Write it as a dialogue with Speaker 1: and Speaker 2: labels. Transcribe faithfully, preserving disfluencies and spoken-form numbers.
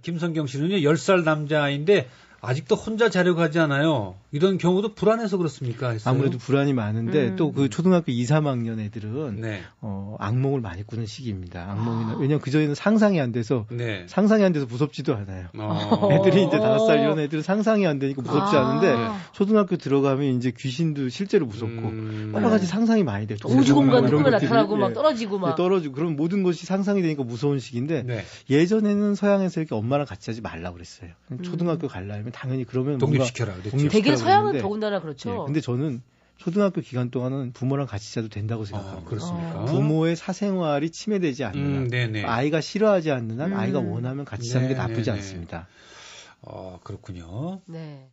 Speaker 1: 김성경 씨는요, 열 살 남자아이인데 아직도 혼자 자려고 하지 않아요. 이런 경우도 불안해서 그렇습니까? 했어요?
Speaker 2: 아무래도 불안이 많은데
Speaker 3: 음.
Speaker 2: 또 그 초등학교 이, 삼 학년 애들은
Speaker 1: 네.
Speaker 2: 어, 악몽을 많이 꾸는 시기입니다. 악몽이나
Speaker 3: 아.
Speaker 2: 왜냐면 그전에는 상상이 안 돼서
Speaker 1: 네.
Speaker 2: 상상이 안 돼서 무섭지도 않아요.
Speaker 1: 어.
Speaker 2: 애들이 이제 다섯 살 이런 애들은 상상이 안 되니까 무섭지
Speaker 3: 아.
Speaker 2: 않은데 초등학교 들어가면 이제 귀신도 실제로 무섭고
Speaker 1: 음.
Speaker 2: 여러 가지 상상이 많이 돼요.
Speaker 3: 우주 공간
Speaker 2: 이런
Speaker 3: 꿈에
Speaker 2: 것들이,
Speaker 3: 나타나고 막
Speaker 2: 예,
Speaker 3: 떨어지고 막.
Speaker 2: 예, 떨어지고 그럼 모든 것이 상상이 되니까 무서운 시기인데
Speaker 1: 네.
Speaker 2: 예전에는 서양에서 이렇게 엄마랑 같이 하지 말라고 그랬어요.
Speaker 3: 음.
Speaker 2: 초등학교 가려면 당연히 그러면
Speaker 1: 독립시켜라 그랬죠.
Speaker 2: 독립-
Speaker 3: 되게 서양은
Speaker 2: 그랬는데,
Speaker 3: 더군다나 그렇죠.
Speaker 2: 예, 근데 저는 초등학교 기간 동안은 부모랑 같이 자도 된다고
Speaker 1: 아,
Speaker 2: 생각합니다.
Speaker 1: 그렇습니까?
Speaker 3: 어.
Speaker 2: 부모의 사생활이 침해되지 않는 한,
Speaker 1: 음, 네네.
Speaker 2: 아이가 싫어하지 않는 한,
Speaker 3: 음.
Speaker 2: 아이가 원하면 같이 자는 게
Speaker 1: 네네네.
Speaker 2: 나쁘지 않습니다.
Speaker 1: 어, 그렇군요.
Speaker 3: 네.